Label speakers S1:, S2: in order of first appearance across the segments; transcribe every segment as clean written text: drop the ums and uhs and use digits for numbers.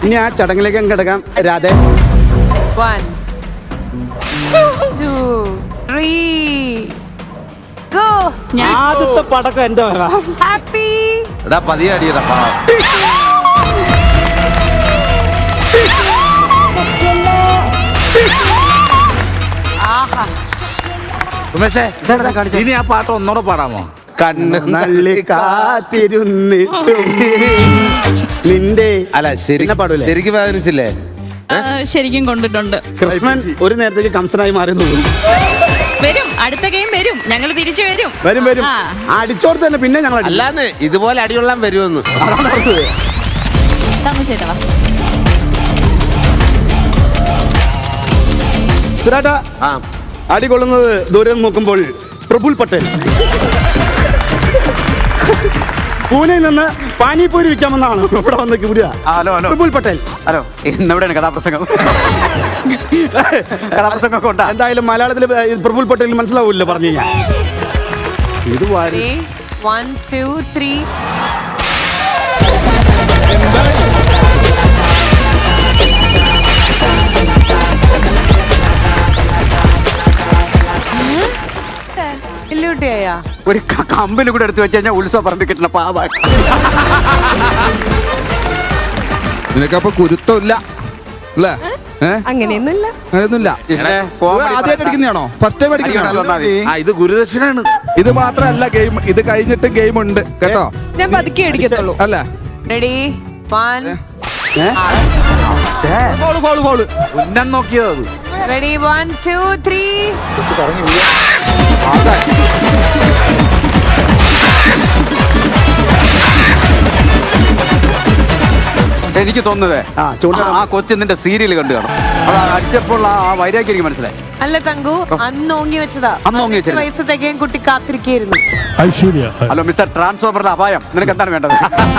S1: ഇനി ആ ചടങ്ങിലേക്ക് കിടക്കാം. രാധേ
S2: 1 2 3 ഗോ.
S3: ആദ്യത്തെ പടക്കം എന്റെ വര.
S2: ഹാപ്പി.
S4: എടാ പതിയെ അടിയടാ. ഉമേഷേ ഇനി ആ പാട്ട് ഒന്നൂടെ പാടാമോ?
S1: കണ്ണ് നള്ളി കാത്തിരുന്നിട്ടും നിന്റെ
S4: അല്ല
S1: പിന്നെ പാടൂലേ?
S4: ശരിക്കും വേദനിച്ചില്ലേ?
S5: ശരിക്കും കൊണ്ടിട്ടുണ്ട്.
S1: കൃഷ്ണൻ ഒരു നേരത്തേക്ക് കംസനായി മാറുന്നു.
S5: വരും, അടുത്ത ഗെയിം വരും, ഞങ്ങൾ തിരിച്ചു വരും.
S1: വരും വരും. അടിച്ചോർത്ത് തന്നെ പിന്നെ ഞങ്ങൾ
S4: അല്ലാന്ന് ഇതുപോലെ അടികൊള്ളാൻ വരുമെന്ന്.
S1: ചേട്ടാ അടികൊള്ളുന്നത് ദൂരെ നോക്കുമ്പോൾ പ്രഫുൽ പട്ടേൽ പൂനെയിൽ നിന്ന് പാനിപൂരി വിൽക്കാമെന്നാണ് ഇവിടെ വന്ന് വിടുക.
S3: Hello hello
S1: Praful Patel.
S3: Hello ഇന്നെവിടെയാണ് കഥാപ്രസംഗം? കഥാപ്രസംഗം കൊണ്ടാ.
S1: എന്തായാലും മലയാളത്തിൽ പ്രഫുൽ പട്ടേൽ മനസ്സിലാവൂല്ലോ പറഞ്ഞു കഴിഞ്ഞാൽ. ഇത്
S2: 1 2 3 ഇല്ലൂട്ടിയാ
S3: ഒരു കമ്പിന് കൂടെ എടുത്തു വെച്ച് കഴിഞ്ഞാൽ ഉത്സവ പറമ്പിൽ കിട്ടുന്ന പാവ.
S4: നിനക്കപ്പൊ കുരുത്തമില്ല അല്ലേ?
S2: അങ്ങനെയൊന്നുമില്ല.
S4: അങ്ങനെയൊന്നുമില്ല. ആദ്യമായിട്ട് അടിക്കുന്നതാണോ? First time അടിക്കുന്നതാണോ? ഇത് ഗുരുദക്ഷിണാണ്. ഇത് മാത്രല്ല ഗെയിം, ഇത് കഴിഞ്ഞിട്ട് ഗെയിം ഉണ്ട് കേട്ടോ.
S2: ഞാൻ പതുക്കെ അടിക്കത്തുള്ളൂ.
S4: അല്ല
S2: റെഡി 1
S4: ഫൗള് ഫൗള് ഫൗള് ഉന്നം നോക്കിയത്.
S2: റെഡി 1 2 3
S3: എനിക്ക് തോന്നുന്നതേ ആ കൊച്ചു നിന്റെ സീരിയൽ കണ്ടു കാണും. അത് അടിച്ചപ്പോൾ ആ വൈരാഗ്യം എനിക്ക് മനസ്സിലായി.
S2: അല്ല തങ്കു, അന്ന് ഓങ്ങി വെച്ചതാ.
S3: അന്ന് ഓങ്ങി വെച്ചത്.
S2: വയസ്സ് തികയാൻ കുട്ടി കാത്തിരിക്കായിരുന്നു.
S3: ഹലോ മിസ്റ്റർ ട്രാൻസ്ഫോമറിന്റെ അപായം, നിനക്ക് എന്താണ് വേണ്ടത്?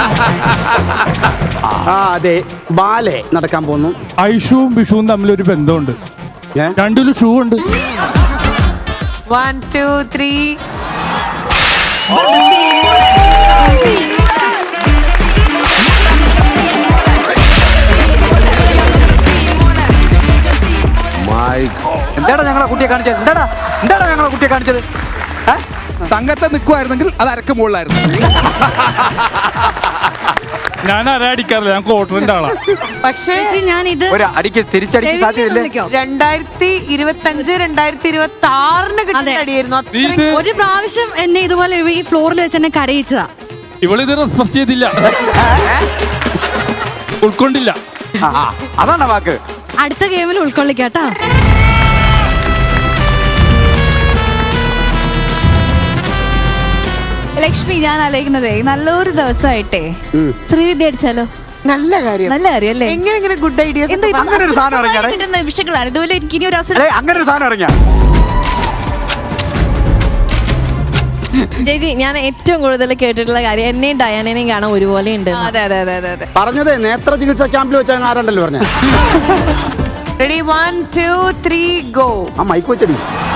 S1: അതെ, ബാലെ നടക്കാൻ പോകുന്നു.
S6: ഐഷുവും ബിഷുവും തമ്മിലൊരു ബന്ധമുണ്ട്. രണ്ടിലും ഷൂ ഉണ്ട്.
S2: 1 2 3
S3: എന്താടാ ഞങ്ങളെ കുട്ടിയെ കാണിച്ചത്? എന്താടാ ഞങ്ങളെ കുട്ടിയെ കാണിച്ചത്?
S4: തങ്കത്തെ നിൽക്കുമായിരുന്നെങ്കിൽ അത് അരക്ക് മുകളിലായിരുന്നു.
S6: ഞാൻ അടിക്കാറില്ല, ഞാൻ ക്വാർട്ടറിന്റെ ആളാ.
S2: പക്ഷേ
S5: ഞാൻ ഇത്
S3: ഒരു അടിക്ക് തിരിച്ചടിക്ക് സാധ്യതയില്ലേ?
S2: 2025 2026 കിട്ടുന്ന അടിയായിരുന്നു.
S6: ഇത്
S5: ഒരു പ്രാവശ്യം എന്നെ ഇതുപോലെ ഈ ഫ്ലോറിൽ വെച്ച് എന്നെ കരയിച്ചതാ.
S6: ഇവളിത് റെസ്പെക്ട് ചെയ്തില്ല, ഉൾക്കൊണ്ടില്ല.
S3: അതാണ് വാക്ക്.
S5: അടുത്ത ഗെയിമിൽ ഉൾക്കൊള്ളിക്കാട്ടാ.
S7: ലക്ഷ്മി, ഞാൻ ആലോചിക്കുന്നതേ നല്ലൊരു ദിവസമായിട്ടേ ശ്രീവിദ്യ അടിച്ചാലോ?
S2: നല്ല കാര്യം,
S7: നല്ല കാര്യം അല്ലേ?
S2: എങ്ങനെ ഗുഡ് ഐഡിയ.
S3: അങ്ങനെ ഒരു സാധനം ഇറങ്ങിയാ
S7: നിമിഷങ്ങളാണ് ഇതുപോലെ. എനിക്ക് ഇനി ഒരു അവസരം.
S3: അങ്ങനെ ഒരു സാധനം ഇറങ്ങിയാ
S7: ചേച്ചി, ഞാൻ ഏറ്റവും കൂടുതൽ കേട്ടിട്ടുള്ള കാര്യം എന്നെയും ഡയാനേനെയും കാണാൻ ഒരുപോലെ ഉണ്ട്.
S2: അതെ അതെ അതെ അതെ അതെ.
S1: പറഞ്ഞത് നേത്ര ചികിത്സാ ക്യാമ്പിൽ വെച്ചാണ് ആരണ്ടല്ലോ പറഞ്ഞ.
S2: Ready 1 2 3 go.
S1: ആ മൈക്ക് വെച്ചടി.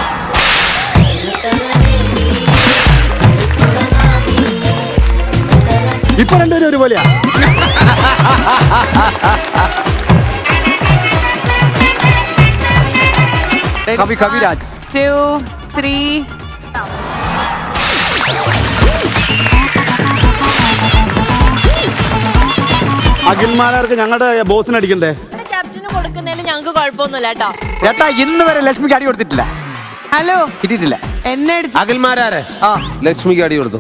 S1: ഇപ്പൊ രണ്ടുപേരും ഒരുപോലെയാ.
S3: കവിരാജ്
S2: 2 3
S1: അഖിൽമാരാർക്ക് ഞങ്ങളുടെ ബോസിന് അടിക്കണ്ടേ?
S7: ക്യാപ്റ്റന് കൊടുക്കുന്നതിൽ ഞങ്ങൾക്ക് കുഴപ്പമൊന്നുമില്ല കേട്ടോ.
S3: ചേട്ടാ ഇന്ന് വരെ ലക്ഷ്മിക്ക് അടി കൊടുത്തിട്ടില്ല.
S2: ഹലോ,
S3: കിട്ടിയിട്ടില്ല.
S2: എന്നെ അടിച്ചു.
S4: അകൽമാരാരെ ലക്ഷ്മിക്ക് അടി കൊടുത്തു.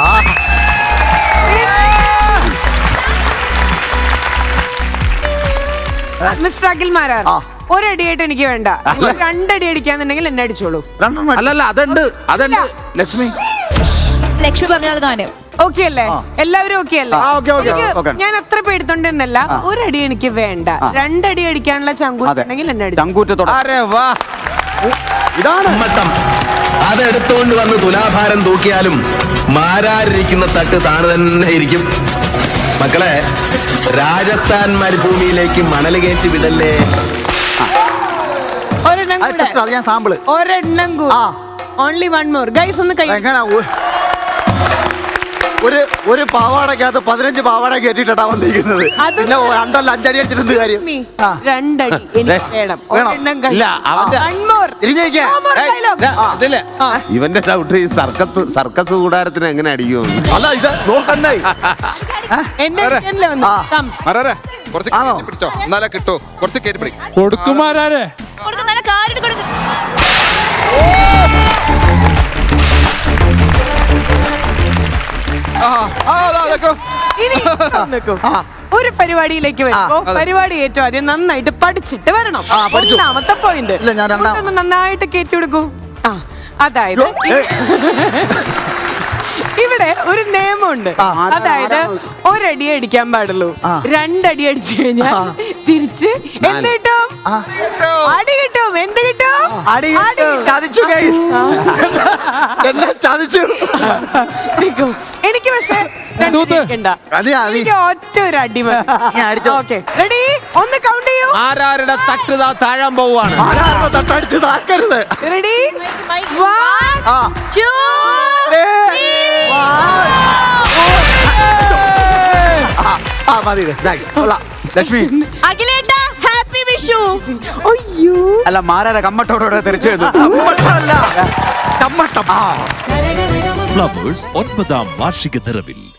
S2: മിസ്റ്റർ അഖിൽമാരാർ, ഒരടിയായിട്ട് എനിക്ക് വേണ്ട. രണ്ടടി അടിക്കാന്നുണ്ടെങ്കിൽ എന്നെ അടിച്ചോളൂ.
S4: അല്ലല്ല അതുണ്ട് ലക്ഷ്മി.
S7: ലക്ഷ്മി പറഞ്ഞാൽ കാര്യം
S2: ഓക്കെ അല്ലേ? എല്ലാവരും ഓക്കെ അല്ലേ?
S3: okay.
S2: ഞാൻ അത്ര പേടിത്തൊണ്ടെന്നല്ല, ഒരടി എനിക്ക് വേണ്ട. രണ്ടടി അടിക്കാനുള്ള ചങ്കൂറ്റുണ്ടെങ്കിൽ എന്നെ അടിച്ചു.
S3: ചങ്കൂറ്റത്തോടെ
S1: ഇതാണ്
S8: മട്ടം. അതെടുത്തുകൊണ്ട് വന്ന് തുലാഭാരം തൂക്കിയാലും മാരാരിരിക്കുന്ന തട്ട് താണു തന്നെ ഇരിക്കും. മക്കളെ, രാജസ്ഥാൻ മരുഭൂമിയിലേക്ക് മണൽ കയറ്റി വിടല്ലേ.
S2: ഒരെണ്ണം കൂടെ.
S1: ഞാൻ സാമ്പിള്.
S2: ഒരെണ്ണം കൂടെ. Only one more guys. ഒന്ന് കൈ.
S1: ഒരു പാവാടക്കകത്ത് 15 പാവാട കയറ്റിട്ടാ വന്നിരിക്കുന്നത്. പിന്നെ 2 അല്ല 5 അടി അടിച്ചിട്ട് കാര്യം.
S2: രണ്ടടി എനിക്ക് വേണം. ഒരെണ്ണം
S1: ഇല്ല, അവന്റെ
S2: One more.
S1: തിരിഞ്ഞേക്കാ.
S2: No more dialogue.
S9: ഇതില്ലേ ഇവന്റെ ഡൗട്ട് ഈ സർക്കസ് കൂടാരത്തിന് എങ്ങനെ അടിക്കും?
S1: അല്ല ഇത് നോക്കണ്ടേ.
S2: എന്റെ സ്കിന്നില് വന്നു. Come.
S4: മരാരെ കുറച്ച് കയറ്റി പിടിച്ചോ, എന്നാലേ കിട്ടോ. കുറച്ച് കയറ്റി പിടി.
S6: കൊടുക്കുമാരാരെ
S5: കൊടുക്ക്, നല്ല കാര്യം കൊടുക്ക്.
S2: ഇനി നിൽക്കൂ. ഒരു പരിപാടിയിലേക്ക് വരുമ്പോ പരിപാടി ഏറ്റവും ആദ്യം നന്നായിട്ട് പഠിച്ചിട്ട് വരണം. ഒന്നാമത്തെ പോയിന്റ്. നന്നായിട്ട് കയറ്റി കൊടുക്കൂ. അതായത് ഇവിടെ ഒരു നിയമമുണ്ട്. അതായത് ഒരടി അടിക്കാൻ പാടുള്ളൂ. 2 അടി അടിച്ചു കഴിഞ്ഞാൽ തിരിച്ച് എന്ത് കിട്ടും? അടി കിട്ടും. എന്ത് കിട്ടും?
S1: ചതിച്ചു ഗൈസ്. എന്നെ ചതിച്ചു.
S2: എനിക്ക് പക്ഷെ എനിക്ക് ഒറ്റ ഒരു അടി ഓക്കെ. റെഡി? ഒന്ന് കൗണ്ട് ചെയ്യൂ.
S9: ആരാരുടെ തട്ട് താഴാൻ പോവാണ്?
S1: ആരാരുടെ തട്ടടിച്ച് താക്കരുത്.
S2: റെഡി? 1 2
S1: മതി.
S3: ലക്ഷ്മി
S5: അഖിലേട്ടാ ഹാപ്പി വിഷു.
S2: അയ്യോ
S3: അല്ല മാരാരെ കമ്മട്ടോടെ തെറിച്ചു വന്നു.
S1: ചമ്മട്ടം.
S10: ഫ്ലവേഴ്സ് 9ാം വാർഷിക നിറവിൽ